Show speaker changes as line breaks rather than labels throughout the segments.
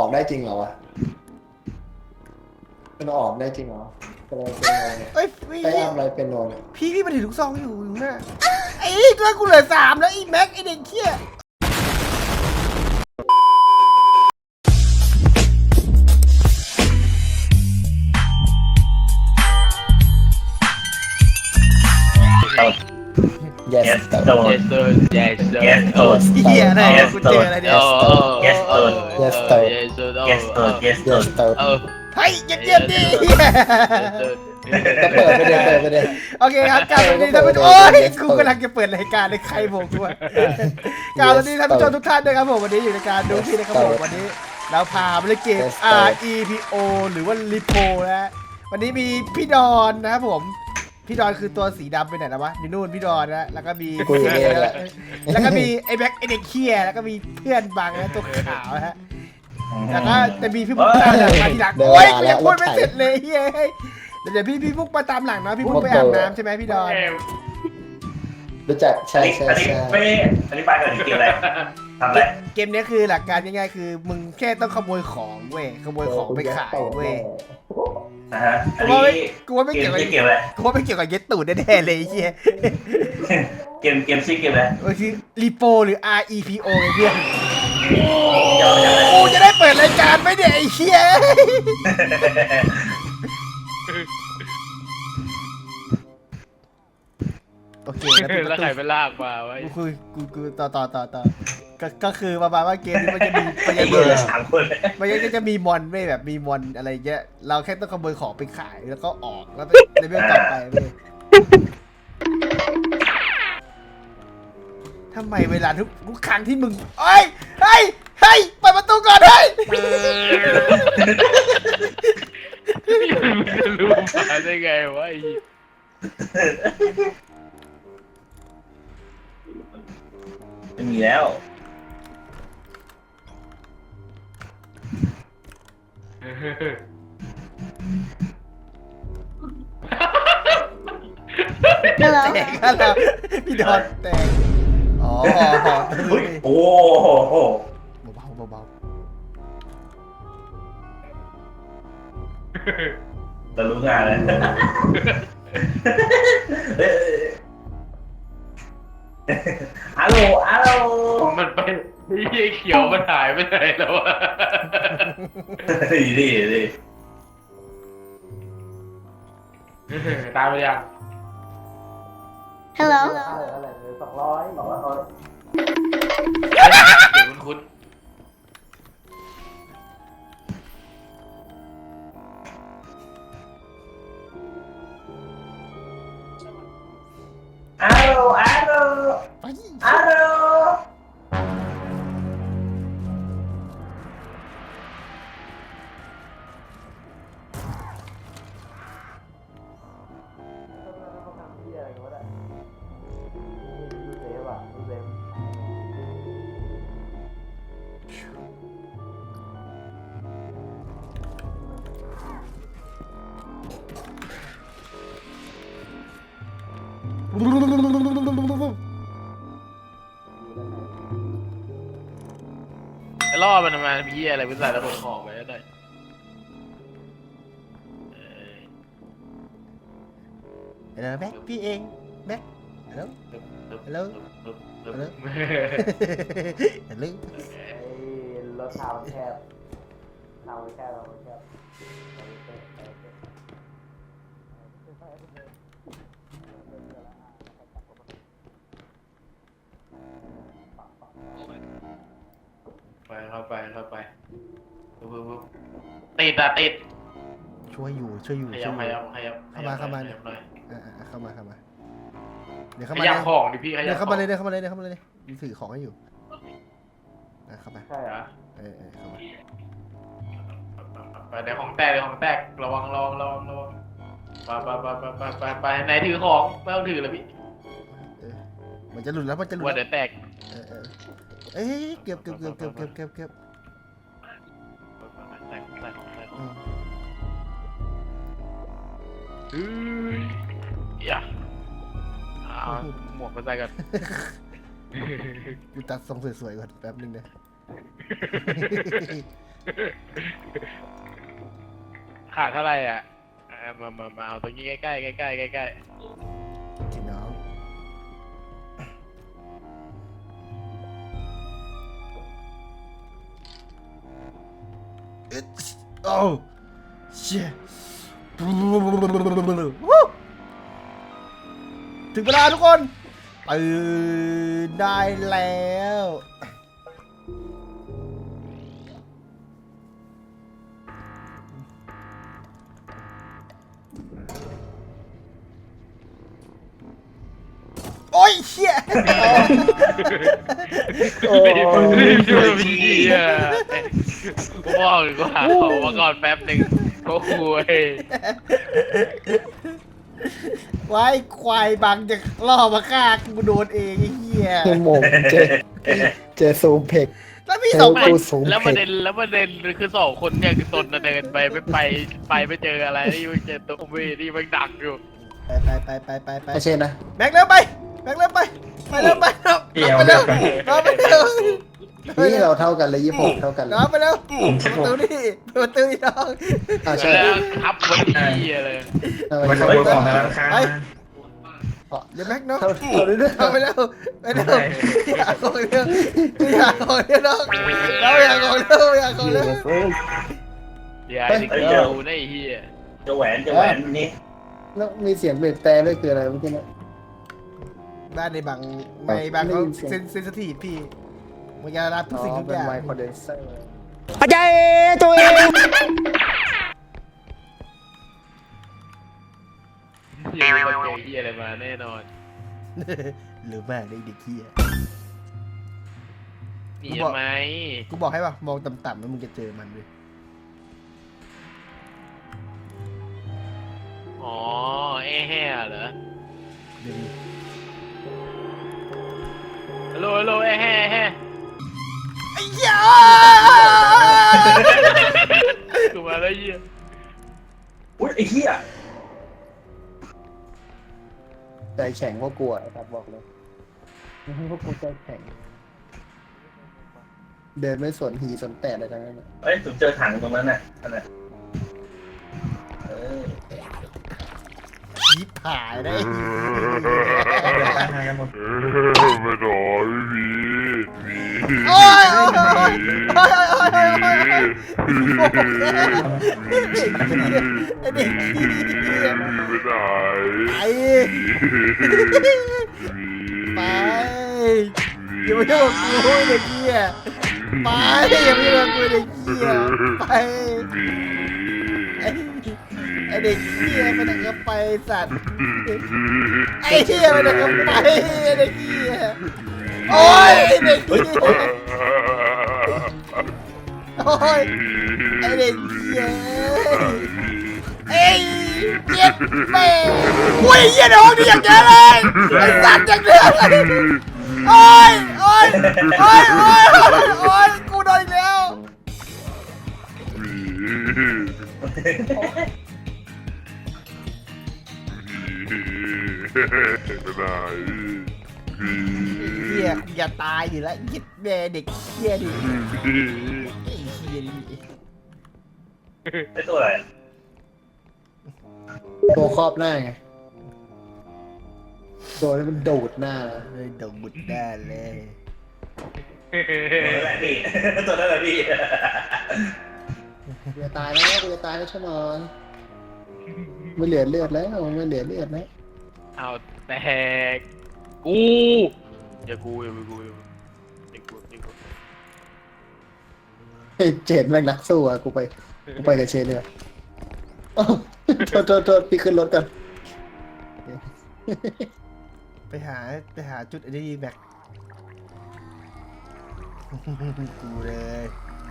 ได้จริงเหรอวะมันออกได้จริงเหรอเป็นอะไรเป็นโนเนี่ย
เอ้ย
ไอ้อะไรเป็นโนเนี่ย
พี่มันถือลูกซองอยู่หน้าไอ้ตัวกูเหลือ3แล้วไอ้แม็กไอ้เด็กเขี้ย
yes
Yes
sir
sir
Yes sir Yes sir
Yes sir
เหี้ยอะไรกูเจออะไรเนี่ย
Yes sir
Yes sir
Yes sir
Yes sir Yes sir
yes sir
เฮ้ยเยี่ยมดิเหี้ย
ก็เปิดไปเลยเปิดไปเลย
โอเคครับกล่าวสวัสดีท่านผู้ชมโอ้ยกูกำลังจะเปิดรายการในใครบอกกูอะกล่าวสวัสดีท่านผู้ชมทุกท่านด้วยครับผมวันนี้อยู่ในการดูพี่นะครับผมวันนี้เราพาไปเล่นเกม REPO หรือว่า Repo นะวันนี้มีพี่ดอนนะครับผมพี่ดอนคือตัวสีดำไปไหนแล้ววะอยู่นู่นพี่ดอนนะแล้วก็มี
กูอยู่นี่แหละ
แล้วก็มีไอ้แบ็คไอ้เด็กเคียแล้วก็มีเพื่อนบางนะตัวขาวนะฮะแล้วก็จะมีพี่บุ๊กตามหลังมาทีหลังโอ้ยกูยังพูดไม่เสร็จเลยเฮ้ยเดี๋ยวพี่บุ๊กมาตามหลังนะพี่บุ๊กไปอาบน้ำใช่ไหมพี่ดอน
รู้จักใช่
อันนี้
ใช่
อันนี้ไม่อธิบายก่อนเกมอะไรทำอะไร
เกมนี้คือหลักการง่ายๆคือมึงแค่ต้องขโมยของเว้ยขโมยของไปขายเว้ย
นะฮะอันนี้
กูว่าไม่
เก
เกี่ย
ม
วกับ
ชื่อเกมอะไร
กูว่าไม่เกี่ยวกับเย็ดตูดแน่ๆเลยไอ้เฮีย
เกมชื่อเกมอะไร
มันคือรีโปหรือ REPO ไงเพื่อน
ยาวจังเลย
กูจะได้เปิดรายการไหมเนี่ยไอ้เฮียโอเค
แล้วใครไปลากมาวะ
กูต่อก็คือประมาณว่าเกมนี้มันจะมีมัน
ไอ้
จะ
เหี้
มี
ย3 คนเลย
มันก็จะมีมอนไม่แบบมีมอนอะไรเงี้ยเราแค่ต้องขโมยของไปขายแล้วก็ออกแล้วไปเลเวลต่อไปเว้ยทำไมเวลาทุกครั้งที่มึงเฮ้ยเปิดประตูก่อนเฮ้ย
มึงจะรู้มาได้ไงวะไอ้
ไม่มีแล้ว
แตกแล้วพี่ดอนแตกอ๋อ
โอ้โห
เบา
จะรู้งานเลยฮัลโหล
มันไปไอ้เหี้ยเขียวมันหายไปไหนแล้ววะ
ดี
ตามไปยัง
Hello.
อะไร200บอกว่าเขา
เดี๋ยวคุ้น
ฮัลโหล
ๆไป
ฮัลโหล
ไอ้ล่อมันมามีเหี้ยอะไรไปใส่แล้วขนของไปแล้วได้
เดี๋ยวแบ็คพี่เองแบ็คฮัลโหล ฮัลโหล ฮัลโหล ฮัลโหล
รถทางแคบทางแคบเราแคบ
เข้าไปติด
ช่วยอยู่
ขยับหน่อย
เข้ามาเดี๋ยว
ข
เข้ามา
ยับของดิพี่ข
เดี๋
ยั
ยว
บ
เข้ามาเลยถือของให้อยู่เข้ามา
ใช่เหรอ
เข้ามา
ไปเดี๋ยวของแตกระวังไปไหนถือของไม่ต้องถือเลยพี่
มันจะหลุดแล้ว
ว่าเดี๋ยวแตก
เอ้ยเก็บ
ใส่ของอย่าหมวกมาใส่กัน
กูตัดทรงสวยๆก่อนแป๊บนึงนะ
ขาดเท่าไหร่อ่ะมาเอาตรงนี้ใกล้ๆใกล้ๆใกล้
พี่น้องโอ้เชี่ยถึงเวลาทุกคนตื่นได้แล้วโอ้ยเชี่ย
โอ้
ๆ
ย
รีบๆพี่อ่ะกูบอกเลยกูหาของมาก่อนแป๊บหนึ่งก็คุย
ไว้ควายบังจะล่อมาฆ่ากูโดนเองไอ้เหี้ย
โมงเจอซูมเพก
แล้วพี่สองคน
กูสูง
แล้วประเด็นคือสองคนเนี่ยคือตนน่ะเดินไปไม่เจออะไรนี่ไม่เจอตัวเวนี่มันดักอยู่
ไป
ไม่ใช่นะ
แม็กเร็วไปแม็กเร็วไปเร็วไปไปเร็วไปเร็ว
นี่เราเท่ากันเลย26เท่ากันเลย
น้องไปเร็วประตูนี่ประตูนี่น้อง
ใช่
แล้วครับคนที่อะไร
มาขโมยของในร้านค้า
ไปเดี๋ยวแม็กน้อง
เท่าเรื่อย
เอาไปเร็วอยากของเร็วอยากของเร็วน้องเราอยากของเร็วอยากของเร็ว
อย่าไอ้เกี่ยวได้เฮีย
จะแหวนนี่
แล้วมีเสียงเบรกแต่ด้วยคืออะไรเมื่อกี้นะ
บ้านในบางไม่บางเขาเซนซิทีฟพี่มันจะรับทุกสิ่งทุก
เป็
อน ย่าง
ไมค์คอนเดนเซอร์
อย่าไปเจอเฮียอะไรมาแน่นอน
หรือมากได้เด็กเหี้ย
หนีไหม
กูบอกให้ป่ะมองต่ำๆแล้วมึงจะเจอมันเลย
อ๋อแห่เหรอ
เดี๋ยว
ฮัลโหลแห่
ไอ้เหี้ย
กูมาแล้วเฮีย
อุ้ยไอ้เหี้ย
ใจแข็งเพราะกลัวครับบอกเลยพวกกูใจแข็งเดินไม่สนหีสนแต่อะไรทั้งนั้น
เฮ้ยผมเจอถังตรงนั้นน่ะนั่นน่ะ
ยิบหายได้
ทางกันหมด
ไม่รอพี่มี
โอ้ยโอ้ยโอ้ยโอ้ยไอ้เด็ก
ไม่ได้
ไปอย่ามายุ่งกับกูเด็กเหี้ยไปอย่ามายุ่งกับกูเด็กเหี้ยไปไอเด็กเหี้ยมันก็ไปสัตว์ไอ้เหี้ยมันก็ไปไอ้เด็กเหี้ยโอ้ยเด็กเหี้ยโอ้ยไอเด็กเหี้ยเอ้ยเจ็บแม่อุ้ยเหี้ยในห้องนี้อย่างเยอะเลยไอ้สัตว์อย่างเยอะเลยโอ้ยโอ้ยโอ้ยโอ้ยโอ้ยกูโดนอีกแล้ว
ไม่ได้พี่
เหี้ยกูอย่าตายอยู่แล้วยิดแม่เด็กเหี้ยดิไอ้เหี้ยดิ
ไอ้ตัวอะไร
ตัวครอบหน้าไงตัวนี้มันดูดหน้า
เฮ้ยดงบุดได้เลย
ตัวนั้นแหละพี่ตัวนั้นแหละพี่
กูจะตายแล้วกูจะตายแล้วใช่ไหมไม่เหลือเลือดแล้วไม่เหลือเลือดแล้ว
เอาแตกกูอย่ากู
เฮ้ยเจนแม่งนักสู้อ่ะกูไปกับเชนเลยอ้าวโทษพี่ขึ้นรถกัน
ไปหาจุดไอ้นี่แม็กกูเลย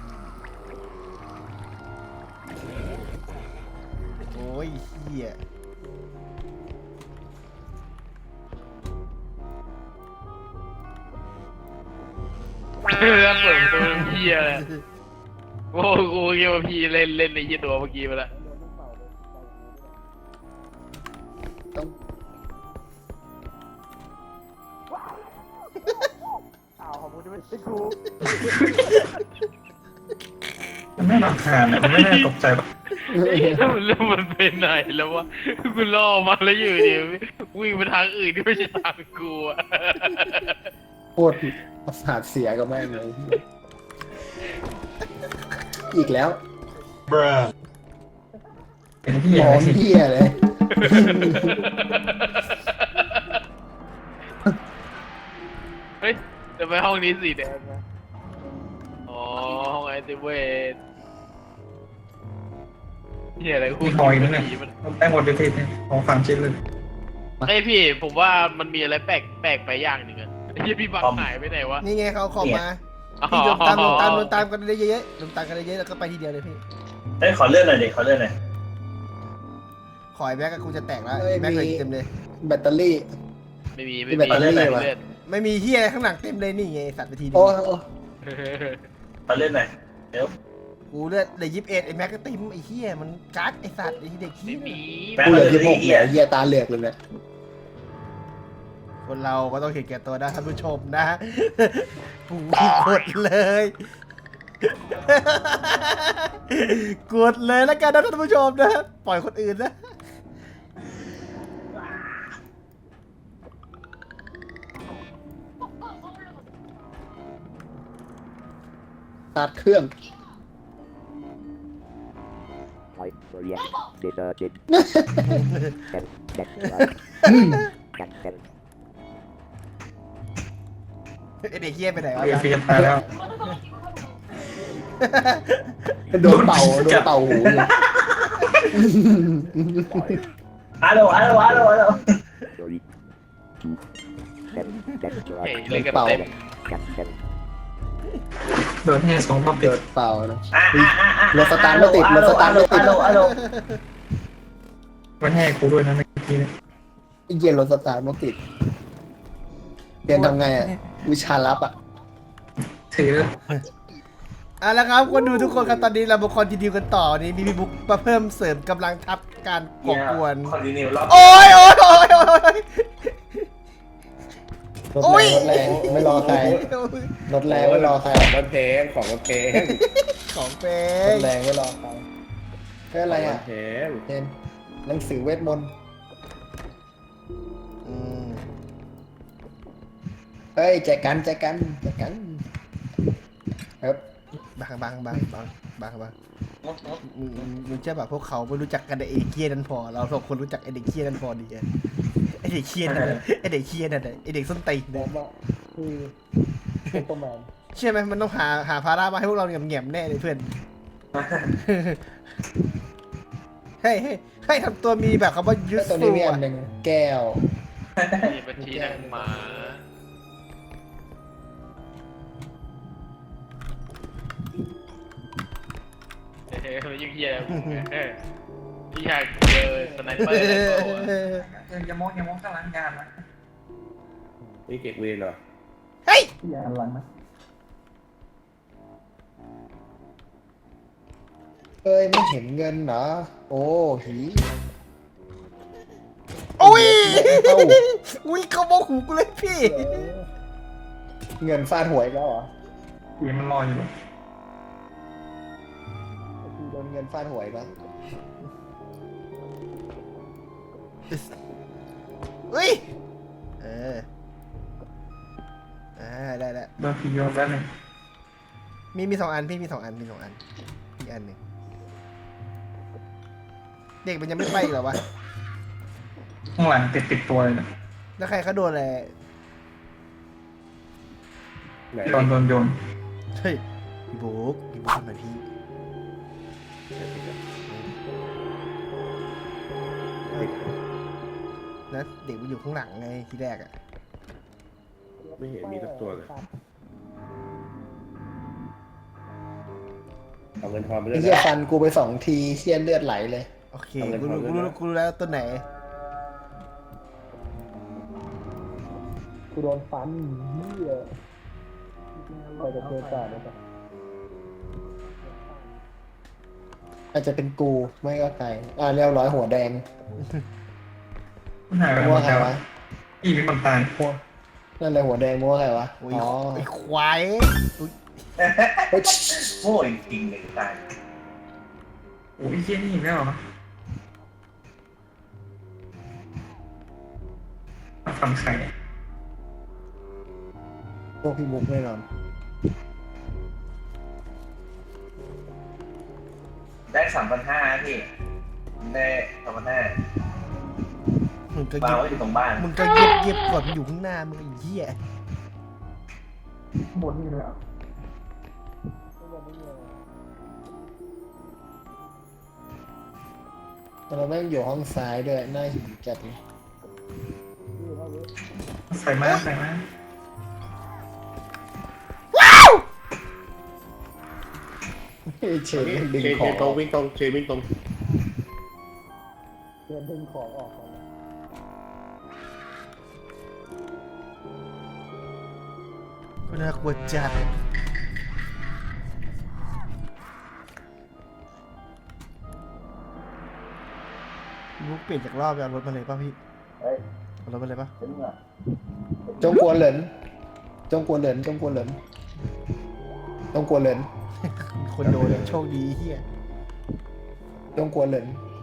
โอ้ยเหี้ย
แล้วเปิดประตูเฮียเลยโอ้กูคิดว่าพี่เล่นในยี่ตัวเมื่อกี้ไปแล้ว
ต้อง
อ้าวขอบคุณที่ไม่ใช่กู
ไม่รำคาญมันไม่น่าตกใจหรอก
แล้วมันไปไหนแล้ววะกูล่อมาแล้วอยู่ดีวิ่งไปทางอื่นที่ไม่ใช่ทางกูอะ
โคตรประสาทเสียกับแม่งเลยอีกแล้ว
เป็นที่
หม
อะไร
อ
สิ
เหี้ยเลย
เฮ้ยจะไปห้องนี้สีแดงนะอ๋อห้องไอติเวทเฮียอะไรกู
มีคอยนึงเนี่ย
ผีมัน
ได้หมดเลยทีของฟังชิ้นเลย
เอ้ยพี่ผมว่ามันมีอะไรแปลกไปอย่างหนึ่งอะไอ้เฮียพี่บังหายไปไหนวะ
นี่ไงเขาเอาของมาพี่โดนตามกันได้เยอะๆโดนตามกันได้เยอะแล้วก็ไปทีเดียวเลยพี่
เฮ้ยขอเลื่อนหน่อยดิขอเลื่อนหน่อย
ขอยแม็กกับกูจะแตกแล้วแม็กเลยเต็มเลย
แบตเตอรี่
ไม่มี
มีแบตเตอรี่วะ
เลื่อน
ไม่มีเฮียอะไรข้างหลังเต็มเลยนี่ไงสัตว์ไปทีเดี
โอ้
ยว
โอ้
ขอเลื่อนหน่อยเดี๋ยว
กูเลือดเลย21ไอ้แม็กก็ติมไอ้เฮียมันกัดไอ้สัตว์ไอ้เด็ก
ไม่
เฮีย
มี
กูเหลือ26เนี่ยเหี้ยตาเหลือกเลยเนี่ย
คนเราก็ต้องเห็นแก่ตัวนะท่านผู้ชมนะกูกดเลย กดเลยแล้วกันนะท่านผู้ชมนะปล่อยคนอื่นนะ
ตัดเครื่อง
Type react detergent. That.
ไอ้เด็กเฮียไปไหนวะ
เฟียตายแล้ว
โดนเป่าหูเลย
ฮัลโหลฮัลโหลฮัลโหลฮัลโหล
Three, two, that's
เฮ้ย
right.
เล่นกันเต็ม
Captain.
โดนแห่สองรอบ
โด
ติด
นเป่านะรถสตาร์ทไม่ติดรถสตาร์ทไม่ติด
มันแห่กูด้วยนะเมื่อกี้เนี่ย
ไอ้เหี้ยรถสตาร์ทไม่ติดเรียนทำไงอ่ะวิชาลับอ่ะ
ถือ
แล้วครับคนดูทุกคนครับตอนนี้เรามาคอนติเนียกันต่อนี่มีพี่บุ๊กมาเพิ่มเสริมกำลังทัพการก่อกวน
คอนดิเนียรอบ
โอ้ย
รถแรงไม่รอใครรถแรงไม่รอใคร
รถเพลงของรถเพลง
ของเป็
ร
น
ถแรงไม่รอใครแค่อะไรอ่ะ
เพลง
เห็นหนังสือเวทมนต์
อืม
เฮ้ยแจกันครับ
บางมึงเชื่อป่ะพวกเขาไม่รู้จักกันไอ้เด็กเคียนั่นพอเราสองคนรู้จักไอ้เด็กเคียนั่นพอดีอะไอ้เด็กเคียนั่นน่ะไอ้เด็กเคียนั่นน่ะไอ้เด็กส้นตีน
บอ
น่ะ
กว่าคือซุปเปอร์แมน
เชื่อไหมมันต้องหาภาระมาให้พวกเราแง่มๆแน่เลยเพื่อน ให้ทำตัวมีแบบคำว่ายุทธ
ตัว
สู
นี้มีอั
อะ
นหนึ่งแก้ว
มีบัญชีหนังหมาเฮ้ยมันยิ่งเฮียพี่อยากเจอสไนเปอร์อะไรเปล่าวะ
อย่ามองข้างหลังงานนะ
นี่เก็บเวรเหรอ
เฮ้ย
อย่าหันหลังนะเอ้ยไม่เห็นเงินเหรอโอ้หี
โอ้ยอุ้ยเขาบอกหูกูเลยพี่
เงินฟาดหวยแล้วเหรอ
ผีมันลอยอยู่
โดนเงินฟาดหวยปะ
เฮ้ยได้
โดนผีโยนแล้วเนี่ย
มี2 อันพี่มี 2 อันอีกอันหนึ่งเด็กมันยังไม่ไปอีกเหรอวะ
ข้างหลังติดตัวเลยนะ
แล้วใครเขาโดนอะไร
ไหน
โดนโยน
เฮ้ยพี่บุ๊กทำไมพี่นะเด็กมันอยู่ข้างหลังไงทีแรกอะ
ไม่เห็นมีสักตัวเลยเอาเงินทอนไปด้ว
ไอ้
ย
เหี้ย
นะ
ฟันกูไป2 ทีเชี่ยเลือดไหลเลย
โอเค
เอาเงิน
กู
ทอนด้วยนะ
รู้แล้วตัวไหน
กูโดนฟันเหี้ยไปจะเจอจ่าได้ปะอาจจะเป็นกูไม่ก็ใครเรียบร้อยหัวแดง
หายไปหม
มั่ว
ด
ใคร
แล้ว
วะ
อีมีคนตาย
นั่นเลยหัวแดงมั่วใครวะ
อุ้ย
อ๋อ
ไอ้ควายอุ้ย
เฮ้ย
โง่จริงๆเลยตาย
โอ้ยเฮี้ยนี่อีกแล้วเหรอมาทำไข่
พวกพี่มุกแน่นอน
ได้3,500พี่ได้3,500
มึงก็
วาง
เย็บ
ไว้อยู่ตรงบ้าน
มึงก็เย็บก่อนมันอยู่ข้างหน้ามึงไอ้เหี้ย
บนนี่เลยอ่ะ
เราแม่งอยู่ห้องซ้ายด้วยน่าหิวจัดเลย
ใส่มาใส่มา
เฮ้ยเชนดึงของตรงวิ่งตรงเชนวิ่งตรงเชนดึงของออกก่อนนะ
ก็น่ากลัวจัดมุกเปลี่ยนจากรอบไปเอารถมาเลยป่ะพี่เอารถมาเลยป่ะ
จงกวนเหลินจงกวนเหลินจงกวนเหลินจงกวนเหลิน
คนโดนโชคดีเฮีย
จงกวนเหลิน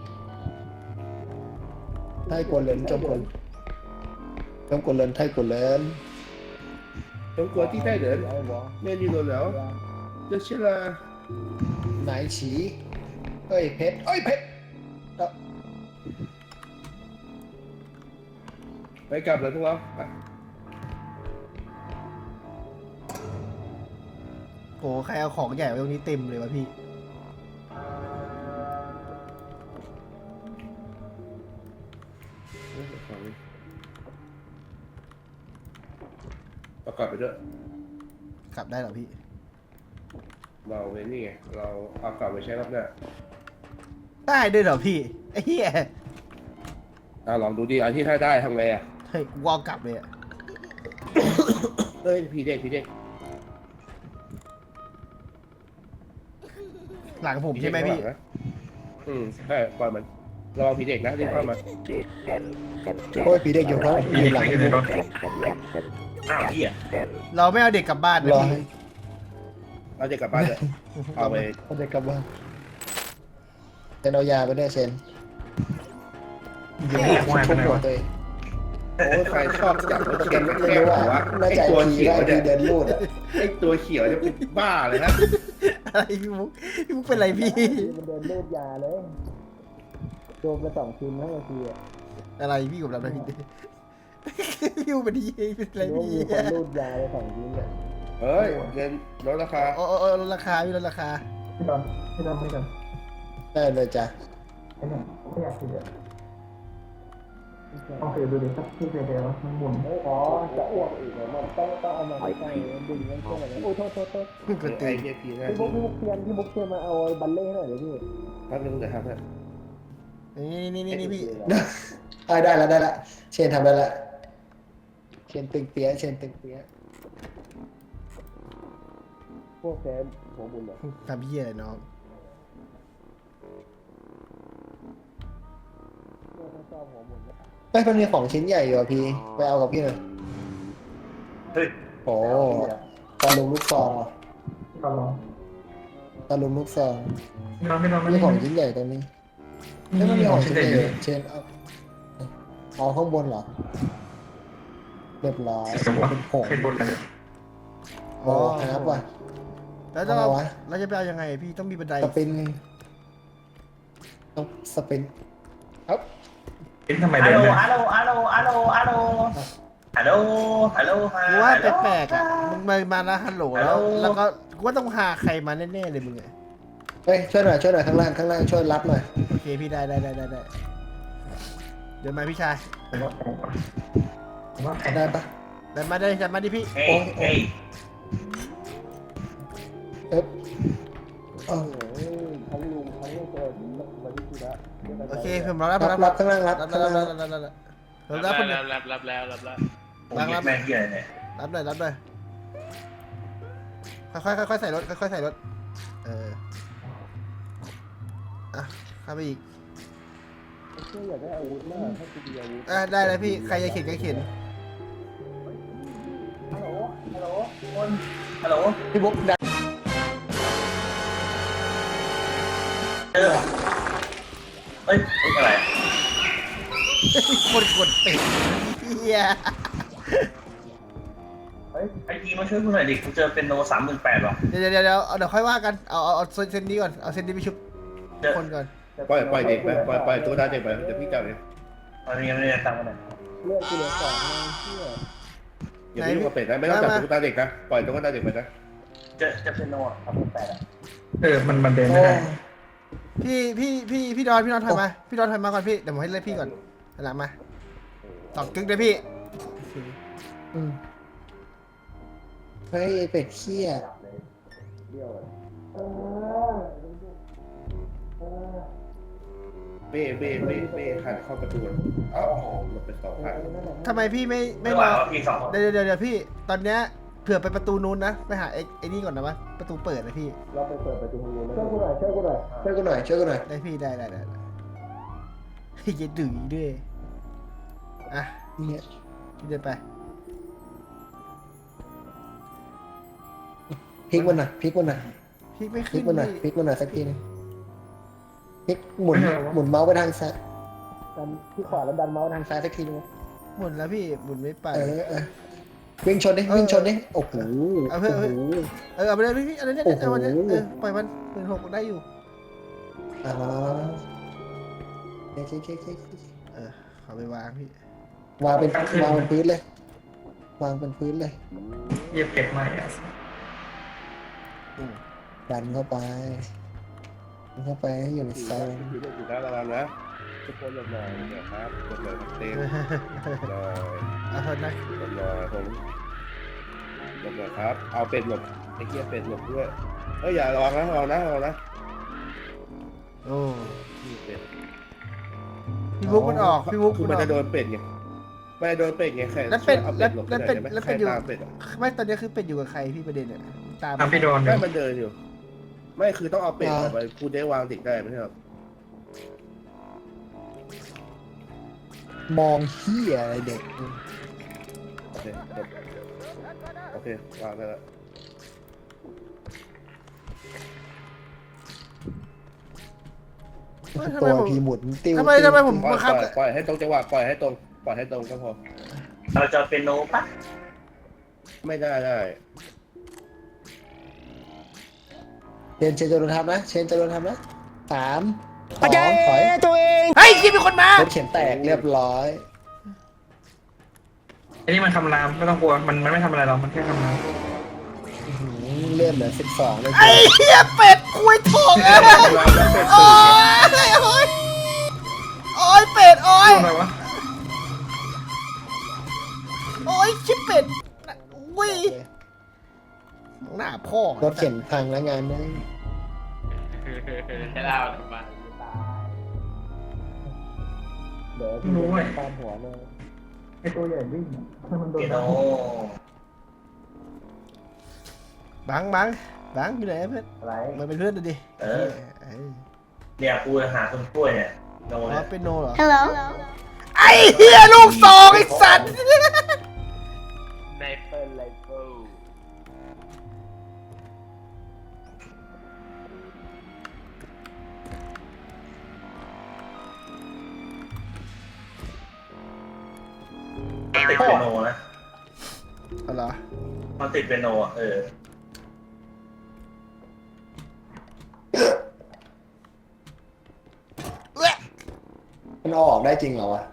ไทยกวนเหลินจงกวนจงกวนเหลินไทยกวนเหลิน
中国地带人，面临了了，这些了，
ไหนฉีเอ้ยเพชรเอ้ยเพชร
ไปกลับเลยพวกเราไป
โอ้ใครเอาของใหญ่ไว้ตรงนี้เต็มเลยวะพี่
เรากลับไปด้วย
กลับได้เหรอพี่
เราเว้นนี่ไงเราเอากลับไปใช้รอบหน้า
ได้ด้วยเหรอพี่ไอ้เหี้ย
ลองดูดิอันที่ถ้าได้ทำไงอ่ะ
เฮ้ยกูเอากลับเลยอะ
เฮ้ยพี่เด็ก
หลังผมใช่ไหมพี่
ใช่ปล่อยมันระวังผีเด็กนะรีบเข้ามา
โอ้ยผีเด็กอยู่เขาอยู่หลัง
อ้าวพี่อ่ะ
เราไม่เอาเด็กกลับบ้านนะ
รอ
พี่
ให้
เราจะกลับบ้านเลยเอาไป
เขาจะกลับบ้านเชนเอายาไปด้วยเชน
เดี๋ยวไม่ควายไปไหน
หัว
วะ
ตัวเอง
โอ้ยใครชอบจับรถเข็นรถ
ไม่
แก้ว
รู้
หัว
ว่าน่า
ไอ้
จะ
ตัว
ผี
เขียว
ได้
เนี่ย
ผีเดินรูดอ่ะ
ไอ้ตัวเขียวจะเป็นบ้าเลยนะ
อะไรพี่มุกเป็นไรพี่
มันเดินรูดยาเลยโดนไป2 ชิ้นทั้งทีอ่ะ
อะไรพี่กับเราอะไรพี่พี่เป็นดีเป็นอะไร
รู้
พี่
มีคนรูดยาไป2 ชิ้นอ่ะ
เฮ้ยเงินลดราคา
โอ้ลดราคาพี่ลดราคา
พี่ดอนไม่กัน
ได้เลยจ้ะ
ไอ้เนี่ยไม่อยากคิดอ่ะโอเคดูดิครับที่เดียวมันหมุน
อ๋อจะอ้วกอีกเหรอมันต้องเอามาใส่ดึงมันเข้ามาเลยโอ้โทษ
กดตี
ไอ้เหี้ยผีนะ
พี่มุกเทียนมาเอาบัลเล่ให้หน่อยเดี๋ยวพี่
แป๊บนึงเดี๋ยวทำให้
นี่พี่
ได้ละเชนทำได้ละเชนตึงเปี้ยพวกแฟนหัวบุญเหรอ
ทำเหี้ยอะไรน้อง
เฮ้ยมันมีของชิ้นใหญ่อยู่อ่ะพี่ไปเอากับพี่หน่อย
เฮ้ย
โอ้ตาลุมลูกซองอ่ะ
ก็ลอง
ตาลุมลูกซอง
ไม่ลอง
มีของชิ้นใหญ่ตรงนี้ไม่มันมีของชิ้นใหญ่อยู่เชนเอาข้างบนเหรอเรียบร้อยเป็นผง
ขึ้นบนเลย
โอ้ครับว่ะ
แล้วจะเราจะไปเอายังไงพี่ต้องมีบันได
สปินต้องสปินครับ
เอ็นทำไม
ฮั
เดิ
ล
น
โหล
เนี่ย
ฮัลโหลฮัลโหลฮัลโหลฮัลโหลฮัลโหลฮัลโหล
กูว่าแปลกๆอ่ะมึงมาแล้วฮัลโหลแล้วก็กูว่าต้องหาใครมาแน่ๆเลยมึงอ่ะ
เฮ้ยช่วยหน่อยข้างล่างช่วยรับหน่อย
โอเคพี่ได้เดินมาพี่ชาย
ได้ปะ
เดินมาดิพี่
เฮ้ยเฮ้ย
เอ๊บ
โอเคผมรับ
รับข้างล่างรับ
รับ
ข้างล่างรับ
รับแล้ว
แม่งเหี้ยเนี่ย
รับเลยค่อยๆใส่รถอ่ะเข้าไปอีกได้เลยพี่ใครจะเข็นก็เข็น
ฮัลโหล
พี่บุ๊กดัน
เอ้ยอะไร
คนกดติดเฮีย
เฮ้ยไอทีมาช่วยกูหน่อยดิกูเจอเป็นโน38ว่ะ
เดี๋ยวค่อยว่ากันเอาเซนนี้ก่อนเอาเซนนี้ไปชุบ
เจอ
คนก่อน
ปล่อยเด็กไปปล่อยตัวตาเด็กไปเดี๋ยวพี่จับเอง
ตอนนี้ยังไม่ได้ตังค์มาไหน
เลือดกูเหลือ2นะเชี่ย
อย่าไปยุ่งกับเป็ดนะไม่ต้องจับตัวตาเด็กนะปล่อยตัวตาเด็กไปนะ
จะเป็นโน38อ่ะ
มันเดินไม่ได้
พี่ดอนถอยมาพี่ดอนถอยมาก่อนพี่เดี๋ยวผมให้เล่นพี่ก่อนหลังมาตอกกึ๊กเลยพี่
เฮ้ยไอ้เป็ดเขี้ย
เบ้หันเข้าประตูอ้าวหลบไป2 ครั้ง
ทำไมพี่ไม่
ไม่
ร
ว่า
อ
พี่2คน
เดี๋ยวพี่ตอนเนี้ยเผื่อไปประตูนู้นนะไปหาไอ้นี่ก่อนนะวะประตูเปิดนะพี่
เราไปเปิดประตูห้องนู้นช่วยกูหน่อยช่วยกูหน่อย
ได้พี่ได้ให้เย็นดึงด้วยอ่ะ
เนี่ย
พี่เดินไป
พลิกมันหน่อย
พี่ไม่
พลิ
ขึ้น
กมันหน่อย
พี่
พลิกมันหน่อยสักทีนึงพลิกหมุนเมาส์ไปทางซ้ายดันที่ขวาแล้วดันเมาส์ทางซ้ายสักทีนึง
หมุนแล้วพี่หมุนไม่ไป
วิ่งชนดิโอ้โห
เอาเพื่อน
โอ้โห
เอาไปเลยพี่อะไรเนี่ย
โอ้โห
เอาไปเลยปล่อยมัน16ได้อยู่
อ่าเค
เอาไปวางพี่
วางเป็นพื้นเลย วางเป็นพื้นเลย
เยียบเก็บไม่อะ
ดันเข้าไปให้อยู่ในโซน
อยู่ด้านระวังนะทุกคนหลบหน่อยนะครับหลบหน่อยเต็มหน่อย
เอาเถอะนะ
หลบหน่อยผมหลบหน่อยครับเอาเป็ดหลบไอ้เกียเป็ดหลบด้วยอย่าระวังนะระวังนะ
โอ้
เป็ด
พี่บุ๊กมันออกพี่บุ๊ก
คือ
มั
มัน
นอ
จะโด
อก
นเป็ดไงไม่โดนเป็ดไงแค่
แล้วเป็ด
อา
แล้ว
หลบ
แล้วเป็ด
ไหน
แล้ว
ใคร
เป็ดอยู่
ตามเป็ด
ไม่ตอนนี้คือเป็ดอยู่กับใครพี่ประเด็นเนี่ยตาม
พี่โดน
ไม่มันเดินอยู่ ไม่คือต้องเอาเป็ดออกไปคุณได้วางติดได้ไม่ใช่หรอ
มองเหี้ยอะไรเด็ก
โอเควางได้แล้ว
ตัวพีหมุนติ้ว
ทำไมผม
ปล่อย
บังคับ
ปล่อยให้ตรงจังหวะปล่อยให้ตรงก็พอ
เราจะเป็นโนปะ
ไม่ได้
เชนจะโดนทำนะ3 2 ถอย
เฮ้ยคิดมีคนมาร
ถเข็นแตกเรียบร้อย
ไอ้นี่มันคำรามไม่ต้องกลัวมันไม่ทำอะไรหรอกมันแค่คำราม
เลื่อนเหลือ12เลย
ไอ้เหี้ยเป็ดคุยถกอะโอ้ยเป็ดโอ้ย
อะไรวะ
ชิบเป็ดอุ้ยหน้าพ่อ
รถเข็นพังแล้วงานนี้
ใช่แล้วทำไม
เดี๋ยว
ไม่รู้เว้ย
ตามหัวเลย
ไอ้ตัวใหญ่วิ่งถ้ามันโดน
เป็นโน
บังอยู่ไหนเพื่อน
อะไร
มันเป็นเพื่อนดูดิ
เนี่ยกูหาคนช่วยเนี่ยโน
อ๋อ
เนี่ย
เป็นโนเหรอ ไอ้เหี้ยลูกซองไอ้สัตว์
ในเปิลไลเฟิล
มันติดเป็นโนนะ
เอาเหรอ
มันติดเป็นโนอ่ะ
มันเอาออกได้จริงเหรอวะ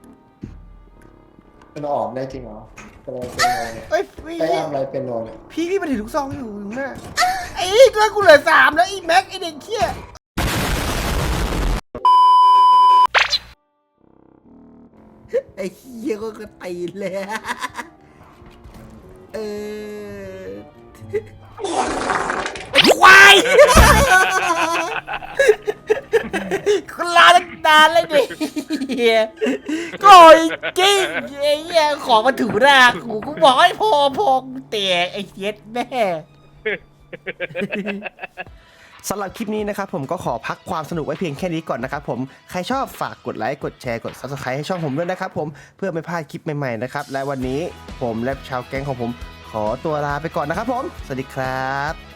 มันเอาออกได้จริงเหรอเป็นโนเนี่ย
เอ้ยพี่
ไปอ้ามอะไรเป็นโนเนี่ย
พี่มันถือลูกซองอยู่หน้าไอ้ตัวกูเหลือ3แล้วไอ้แม็กไอ้เด็กเขี้ยไอ้เขี้ยก็กระตีนเลยไอ้ควายคนลาตั้งนานเลยดิเฮียโกรธจริงไอ้เหี้ยของมาถูหน้ากูบอกให้พอกูแตกไอ้เหี้ยแม่ สำหรับคลิปนี้นะครับผมก็ขอพักความสนุกไว้เพียงแค่นี้ก่อนนะครับผมใครชอบฝากกดไลค์กดแชร์กด Subscribe ให้ช่องผมด้วยนะครับผมเพื่อไม่พลาดคลิปใหม่ๆนะครับและวันนี้ผมและชาวแก๊งของผมขอตัวลาไปก่อนนะครับผมสวัสดีครับ